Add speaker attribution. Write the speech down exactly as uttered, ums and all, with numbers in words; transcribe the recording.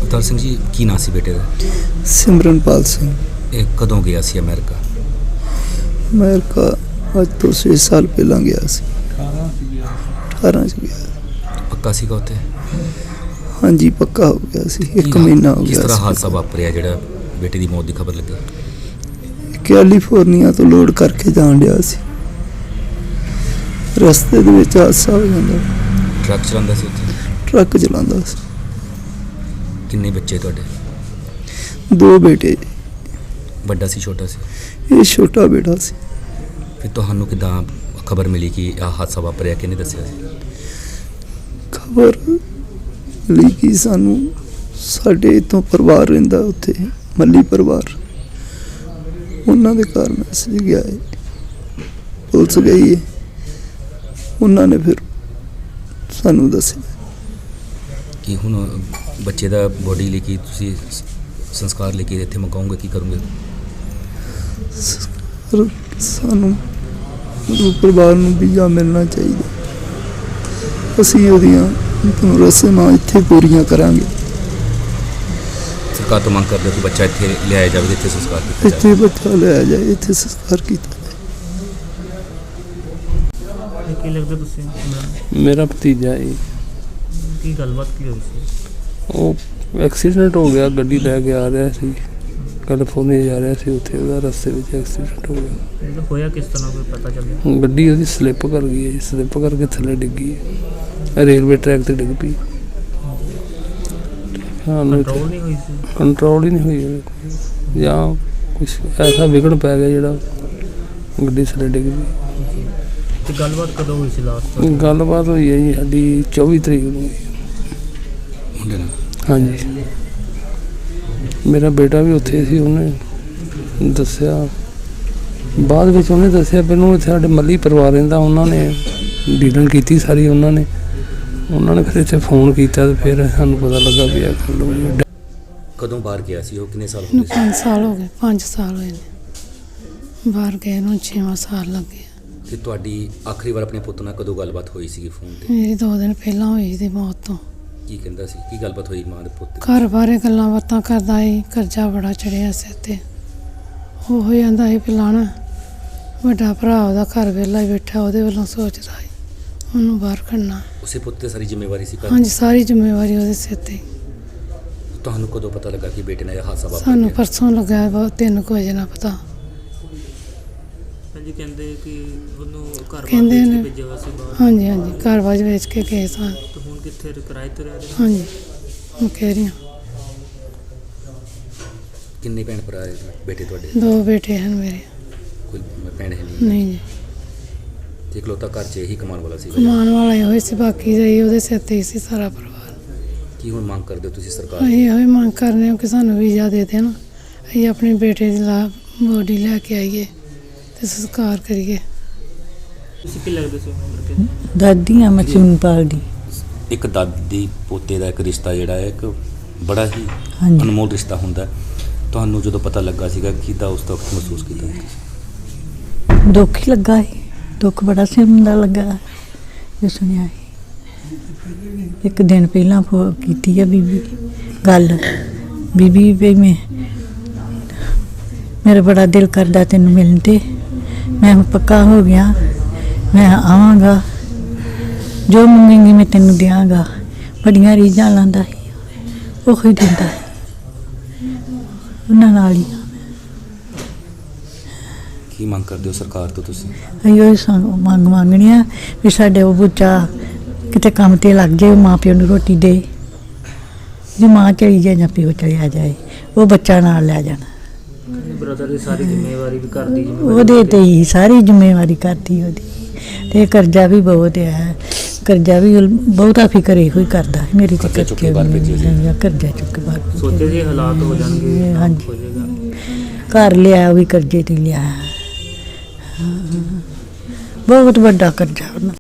Speaker 1: ਅਵਤਾਰ ਸਿੰਘ ਜੀ, ਕੀ ਨਾਂ ਸੀ ਬੇਟੇ ਦਾ?
Speaker 2: ਸਿਮਰਨਪਾਲ ਸਿੰਘ।
Speaker 1: ਇਹ ਕਦੋਂ ਗਿਆ ਸੀ ਅਮਰੀਕਾ?
Speaker 2: ਅਮਰੀਕਾ ਅੱਜ ਤੋਂ ਛੇ ਸਾਲ ਪਹਿਲਾਂ ਗਿਆ ਸੀ। ਅਠਾਰਾਂ ਚ ਗਿਆ।
Speaker 1: ਪੱਕਾ ਸੀਗਾ ਉੱਥੇ?
Speaker 2: ਹਾਂਜੀ ਪੱਕਾ ਹੋ ਗਿਆ ਸੀ, ਇੱਕ ਮਹੀਨਾ ਹੋ ਗਿਆ।
Speaker 1: ਕਿਸ ਤਰ੍ਹਾਂ ਹਾਦਸਾ ਵਾਪਰਿਆ ਜਿਹੜਾ ਬੇਟੇ ਦੀ ਮੌਤ ਦੀ ਖਬਰ ਲੱਗੀ?
Speaker 2: ਕੈਲੀਫੋਰਨੀਆ ਤੋਂ ਲੋਡ ਕਰਕੇ ਜਾਣ ਡਿਆ ਸੀ, ਰਸਤੇ ਦੇ ਵਿੱਚ ਹਾਦਸਾ ਹੋ ਜਾਂਦਾ।
Speaker 1: ਟਰੱਕ ਚਲਾਉਂਦਾ ਸੀ ਉੱਥੇ?
Speaker 2: ਟਰੱਕ ਚਲਾਉਂਦਾ ਸੀ।
Speaker 1: ਕਿੰਨੇ ਬੱਚੇ ਤੁਹਾਡੇ?
Speaker 2: ਦੋ ਬੇਟੇ।
Speaker 1: ਵੱਡਾ ਸੀ ਛੋਟਾ ਸੀ?
Speaker 2: ਇਹ ਛੋਟਾ ਬੇਟਾ ਸੀ।
Speaker 1: ਫਿਰ ਤੁਹਾਨੂੰ ਕਿੱਦਾਂ ਖਬਰ ਮਿਲੀ ਕਿ ਆਹ ਹਾਦਸਾ ਵਾਪਰਿਆ? ਕਿਹਨੇ ਦੱਸਿਆ ਸੀ?
Speaker 2: ਖਬਰ ਲਈ ਕਿ ਸਾਨੂੰ ਸਾਡੇ ਇੱਥੋਂ ਪਰਿਵਾਰ ਰਹਿੰਦਾ ਉੱਥੇ, ਮੱਲੀ ਪਰਿਵਾਰ, ਉਹਨਾਂ ਦੇ ਘਰ ਮੈਸੇਜ ਗਿਆ ਹੈ, ਪੁਲਿਸ ਗਈ ਹੈ, ਉਹਨਾਂ ਨੇ ਫਿਰ ਸਾਨੂੰ ਦੱਸਿਆ
Speaker 1: ਕਿ ਹੁਣ ਬੱਚੇ ਦਾ ਬੋਡੀ ਲਈ ਕੀ ਤੁਸੀਂ ਸੰਸਕਾਰ ਲੈ ਕੇ ਇੱਥੇ ਮੰਗਾਉਂਗੇ? ਕੀ ਕਰੋਗੇ?
Speaker 2: ਸਾਨੂੰ ਪਰਿਵਾਰ ਨੂੰ ਵੀਜ਼ਾ ਮਿਲਣਾ ਚਾਹੀਦਾ, ਅਸੀਂ ਉਹਦੀਆਂ ਰਸਮਾਂ ਇੱਥੇ ਪੂਰੀਆਂ ਕਰਾਂਗੇ।
Speaker 1: ਸਰਕਾਰ ਤੋਂ ਮੰਗ ਕਰਦੇ ਹੋ ਕਿ ਬੱਚਾ ਇੱਥੇ ਲਿਆਇਆ ਜਾਵੇ, ਇੱਥੇ ਸੰਸਕਾਰ ਕੀਤਾ
Speaker 2: ਇੱਥੇ ਬੱਚਾ ਲਿਆਇਆ ਜਾਏ, ਇੱਥੇ ਸੰਸਕਾਰ ਕੀਤਾ ਜਾਏ।
Speaker 3: ਕੀ ਲੱਗਦਾ ਤੁਸੀਂ?
Speaker 4: ਮੇਰਾ ਭਤੀਜਾ ਹੈ।
Speaker 3: ਕੀ ਗੱਲਬਾਤ ਕੀ ਹੋਈ ਸੀ?
Speaker 4: ਉਹ ਐਕਸੀਡੈਂਟ ਹੋ ਗਿਆ, ਗੱਡੀ ਲੈ ਕੇ ਆ ਰਿਹਾ ਸੀ, ਕੈਲੀਫੋਰਨੀਆ ਜਾ ਰਿਹਾ ਸੀ, ਉੱਥੇ ਉਹਦਾ ਰਸਤੇ ਵਿੱਚ ਐਕਸੀਡੈਂਟ ਹੋ ਗਿਆ।
Speaker 3: ਮਤਲਬ ਹੋਇਆ ਕਿਸ ਤਰ੍ਹਾਂ, ਕੋਈ ਪਤਾ ਚੱਲਿਆ?
Speaker 4: ਗੱਡੀ ਉਹਦੀ ਸਲਿੱਪ ਕਰ ਗਈ ਹੈ, ਸਲਿੱਪ ਕਰਕੇ ਥੱਲੇ ਡਿੱਗੀ ਹੈ, ਰੇਲਵੇ ਟਰੈਕ 'ਤੇ ਡਿੱਗ ਪਈ।
Speaker 3: ਕੰਟਰੋਲ ਨਹੀਂ ਹੋਈ ਸੀ?
Speaker 4: ਕੰਟਰੋਲ ਹੀ ਨਹੀਂ ਹੋਈ, ਜਾਂ ਕੁਛ ਐਸਾ ਵਿਗੜ ਪੈ ਗਿਆ ਜਿਹੜਾ ਗੱਡੀ ਥੱਲੇ ਡਿੱਗ ਪਈ।
Speaker 3: ਤੇ ਗੱਲਬਾਤ ਕਦੋਂ ਹੋਈ ਸੀ ਲਾਸਟ?
Speaker 4: ਗੱਲਬਾਤ ਹੋਈ ਹੈ ਜੀ ਸਾਡੀ ਚੌਵੀ ਤਰੀਕ ਨੂੰ ਹੋਈ। ਹਾਂਜੀ, ਮੇਰਾ ਬੇਟਾ ਵੀ ਉੱਥੇ ਸੀ, ਉਹਨੇ ਦੱਸਿਆ ਬਾਅਦ ਵਿੱਚ, ਉਹਨੇ ਦੱਸਿਆ ਮੈਨੂੰ ਇੱਥੇ ਸਾਡੇ ਮੱਲੀ ਪਰਿਵਾਰ ਰਹਿੰਦਾ, ਉਹਨਾਂ ਨੇ ਡੀਲਿੰਗ ਕੀਤੀ ਸਾਰੀ, ਉਹਨਾਂ ਨੇ ਉਹਨਾਂ ਨੇ ਫਿਰ ਇੱਥੇ ਫੋਨ ਕੀਤਾ ਤੇ ਫਿਰ ਸਾਨੂੰ ਪਤਾ ਲੱਗਾ ਵੀ ਇਹ ਗੱਲ ਹੋਈ।
Speaker 1: ਕਦੋਂ ਬਾਹਰ ਗਿਆ ਸੀ ਉਹ? ਕਿੰਨੇ ਸਾਲ ਹੋ ਗਏ?
Speaker 5: ਪੰਜ ਸਾਲ ਹੋ ਗਏ, ਪੰਜ ਸਾਲ ਹੋਏ ਨੇ ਬਾਹਰ ਗਏ ਨੂੰ, ਛੇਵਾਂ ਸਾਲ ਲੱਗੇ।
Speaker 1: ਤੇ ਤੁਹਾਡੀ ਆਖਰੀ ਵਾਰ ਆਪਣੇ ਪੁੱਤ ਨਾਲ ਕਦੋਂ ਗੱਲਬਾਤ ਹੋਈ ਸੀਗੀ ਫੋਨ ਤੇ?
Speaker 5: ਮੇਰੀ ਦੋ ਦਿਨ ਪਹਿਲਾਂ ਹੋਈ ਸੀ ਮੌਤ ਤੋਂ।
Speaker 1: ਕੀ ਕਹਿੰਦਾ ਸੀ? ਕੀ ਗੱਲਬਾਤ ਹੋਈ ਮਾਂ ਦੇ ਪੁੱਤ ਦੀ?
Speaker 5: ਘਰ ਬਾਰੇ ਗੱਲਾਂ ਬਾਤਾਂ ਕਰਦਾ ਸੀ, ਕਰਜ਼ਾ ਬੜਾ ਚੜਿਆ ਸਿਰ ਤੇ। ਉਹ ਹੋ ਜਾਂਦਾ ਸੀ ਪਿਲਾਣਾ, ਵੱਡਾ ਭਰਾ ਉਹਦਾ ਘਰ ਵਿਹਲਾ ਹੀ ਬੈਠਾ, ਉਹਦੇ ਵੱਲੋਂ ਸੋਚਦਾ ਸੀ ਉਹਨੂੰ ਬਾਹਰ ਕੱਢਣਾ।
Speaker 1: ਉਸੇ ਪੁੱਤ ਤੇ ਸਾਰੀ ਜ਼ਿੰਮੇਵਾਰੀ ਸੀ ਘਰ?
Speaker 5: ਹਾਂਜੀ, ਸਾਰੀ ਜ਼ਿੰਮੇਵਾਰੀ ਉਹਦੇ ਸਿਰ ਤੇ।
Speaker 1: ਤੁਹਾਨੂੰ ਕਦੋਂ ਪਤਾ ਲੱਗਾ ਕਿ ਬੇਟੇ ਨਾਲ ਇਹ ਹਾਦਸਾ ਵਾਪਰ
Speaker 5: ਸਾਨੂੰ
Speaker 1: ਗਿਆ?
Speaker 5: ਪਰਸੋਂ ਲੱਗਾ, ਬਹੁਤ ਤਿੰਨ ਕੁ ਵਜੇ ਨਾਲ ਪਤਾ।
Speaker 3: ਹਾਂਜੀ, ਕਹਿੰਦੇ ਕਿ ਉਹਨੂੰ ਘਰ
Speaker 5: ਕਹਿੰਦੇ ਨੇ
Speaker 3: ਭੇਜਿਆ ਹੋਇਆ ਸੀ ਬਾਹਰ।
Speaker 5: ਹਾਂਜੀ ਹਾਂਜੀ, ਘਰ ਬਾਜ ਵੇਚ ਕੇ ਗਏ ਸਾਂ।
Speaker 3: ਤੇ ਹੁਣ ਕਿੱਥੇ ਕਿਰਾਏ ਤੇ ਰਹਿ ਰਹੇ?
Speaker 5: ਹਾਂਜੀ, ਮੈਂ ਕਹਿ ਰਹੀ ਹਾਂ।
Speaker 1: ਕਿੰਨੇ ਭੈਣ ਭਰਾ ਹੈ ਬੇਟੇ ਤੁਹਾਡੇ?
Speaker 5: ਦੋ ਬੇਟੇ ਹਨ ਮੇਰੇ।
Speaker 1: ਕੋਈ ਭੈਣ ਹੈ ਨਹੀਂ?
Speaker 5: ਨਹੀਂ ਜੀ,
Speaker 1: ਤੇ ਇਕਲੌਤਾ ਘਰ 'ਚ ਇਹੀ ਕਮਾਉਣ ਵਾਲਾ ਸੀ?
Speaker 5: ਕਮਾਉਣ ਵਾਲਾ ਇਹੋ ਹੀ ਸੀ, ਬਾਕੀ ਜਾਈ ਉਹਦੇ ਸਿਰ ਤੇ ਹੀ ਸੀ ਸਾਰਾ ਪਰਿਵਾਰ।
Speaker 1: ਕੀ ਹੁਣ ਮੰਗ ਕਰਦੇ ਹੋ ਤੁਸੀਂ ਸਰਕਾਰ?
Speaker 5: ਅਸੀਂ ਇਹੋ ਹੀ ਮੰਗ ਕਰਨੇ ਹਾਂ ਕਿ ਸਾਨੂੰ ਵੀਜ਼ਾ ਦੇ ਦੇਣ, ਅਸੀਂ ਆਪਣੇ ਬੇਟੇ ਦੀ ਲਾ ਬੋਡੀ ਲੈ ਕੇ ਆਈਏ ਤੇ ਸੰਸਕਾਰ ਕਰੀਏ।
Speaker 3: ਤੁਸੀਂ ਕੀ ਲੱਗਦੇ ਸੀ ਉਹਨਾਂ ਦੇ?
Speaker 6: ਦਾਦੀ ਆ ਮੈਂ ਸਿਮਰਨਪਾਲ ਦੀ।
Speaker 1: ਇੱਕ ਦਾਦੀ ਪੋਤੇ ਦਾ ਇੱਕ ਰਿਸ਼ਤਾ ਜਿਹੜਾ ਹੈ, ਇੱਕ ਬੜਾ ਹੀ
Speaker 6: ਹਾਂਜੀ।
Speaker 1: ਅਨਮੋਲ ਰਿਸ਼ਤਾ ਹੁੰਦਾ। ਤੁਹਾਨੂੰ ਜਦੋਂ ਪਤਾ ਲੱਗਾ ਸੀਗਾ ਕਿੱਦਾਂ ਉਸ ਵਕਤ ਮਹਿਸੂਸ ਕੀਤਾ?
Speaker 6: ਦੁੱਖ ਹੀ ਲੱਗਾ ਸੀ, ਦੁੱਖ ਬੜਾ ਸਿਮ ਦਾ ਲੱਗਾ ਜੋ ਸੁਣਿਆ ਸੀ। ਇੱਕ ਦਿਨ ਪਹਿਲਾਂ ਫੋ ਕੀਤੀ ਆ ਬੀਬੀ ਗੱਲ, ਬੀਬੀ ਵੀ ਮੈਂ ਮੇਰਾ ਬੜਾ ਦਿਲ ਕਰਦਾ ਤੈਨੂੰ ਮਿਲਣ ਤੇ, ਮੈਂ ਪੱਕਾ ਹੋ ਗਿਆ, ਮੈਂ ਆਵਾਂਗਾ, ਜੋ ਮੰਗੇਂਗੀ ਮੈਂ ਤੈਨੂੰ ਦਿਆਂਗਾ। ਬੜੀਆਂ ਰੀਝਾਂ ਲਾਉਂਦਾ ਸੀ, ਉਹ ਹੀ ਦਿੰਦਾ ਸੀ, ਉਹਨਾਂ ਨਾਲ ਹੀ।
Speaker 1: ਕੀ ਮੰਗ ਕਰਦੇ ਹੋ ਸਰਕਾਰ ਤੋਂ ਤੁਸੀਂ?
Speaker 6: ਅਸੀਂ ਉਹ ਸਾਨੂੰ ਮੰਗ ਮੰਗਣੀ ਆ ਵੀ ਸਾਡੇ ਉਹ ਬੱਚਾ ਕਿਤੇ ਕੰਮ 'ਤੇ ਲੱਗ ਜਾਏ, ਮਾਂ ਪਿਓ ਨੂੰ ਰੋਟੀ ਦੇ। ਜੇ ਮਾਂ ਚਲੀ ਜਾਏ ਜਾਂ ਪਿਓ ਚਲਿਆ ਜਾਏ, ਉਹ ਬੱਚਾ ਨਾਲ ਲੈ ਜਾਣਾ।
Speaker 3: ਬ੍ਰਦਰ ਦੀ ਸਾਰੀ ਜ਼ਿੰਮੇਵਾਰੀ ਵੀ ਕਰਦੀ ਜੀ,
Speaker 6: ਉਹਦੇ 'ਤੇ ਹੀ ਸਾਰੀ ਜ਼ਿੰਮੇਵਾਰੀ ਕਰਦੀ ਉਹਦੀ। ਅਤੇ ਕਰਜ਼ਾ ਵੀ ਬਹੁਤ ਹੈ, ਕਰਜ਼ਾ ਵੀ ਬਹੁਤਾ ਫਿਕਰ ਇਹੋ ਹੀ ਕਰਦਾ ਮੇਰੀ ਤੇ
Speaker 1: ਕਰਜ਼ਾ ਚੁੱਕ ਕੇ ਬਾਹਰ ਭੇਜਿਆ
Speaker 6: ਕਰਜ਼ਾ ਕਰਜ਼ਾ ਚੁੱਕ ਕੇ ਬਾਹਰ ਭੇਜਿਆ।
Speaker 3: ਸੋਚੇ ਜੇ ਹਾਲਾਤ ਹੋ ਜਾਣਗੇ,
Speaker 6: ਹਾਂਜੀ,
Speaker 3: ਹੋ ਜਾਏਗਾ।
Speaker 6: ਘਰ ਲਿਆ ਉਹ ਵੀ ਕਰਜ਼ੇ 'ਤੇ ਲਿਆ, ਬਹੁਤ ਵੱਡਾ ਕਰਜ਼ਾ ਉਹਨਾਂ